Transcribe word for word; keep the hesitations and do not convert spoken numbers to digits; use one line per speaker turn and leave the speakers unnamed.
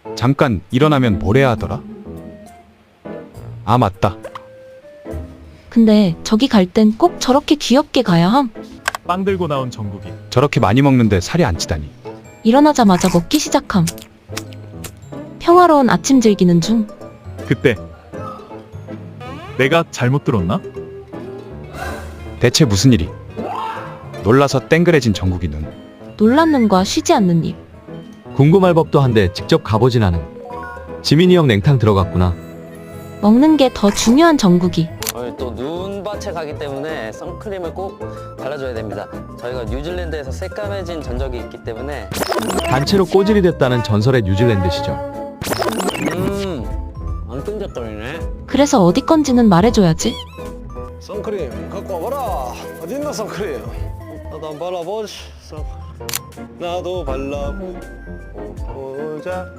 잠깐 일어나면 뭘 해야 하더라? 아 맞다.
근데 저기 갈 땐 꼭 저렇게 귀엽게 가야 함.
빵 들고 나온 정국이.
저렇게 많이 먹는데 살이 안 찌다니.
일어나자마자 먹기 시작함. 평화로운 아침 즐기는 중.
그때 내가 잘못 들었나?
대체 무슨 일이? 놀라서 땡그레진 정국이 눈.
놀란 눈과 쉬지 않는 입.
궁금할 법도 한데 직접 가보진 않음. 지민이 형 냉탕 들어갔구나.
먹는 게 더 중요한 정국이.
오늘 또 눈밭에 가기 때문에 선크림을 꼭 발라줘야 됩니다. 저희가 뉴질랜드에서 새까매진 전적이 있기 때문에.
단체로 꼬질이 됐다는 전설의 뉴질랜드 시절.
음, 안 끈적거리네.
그래서 어디 건지는 말해줘야지.
선크림 갖고 와봐라. 어딨나 선크림? 나도 한번 발라보지. 선- 나도 발라보자.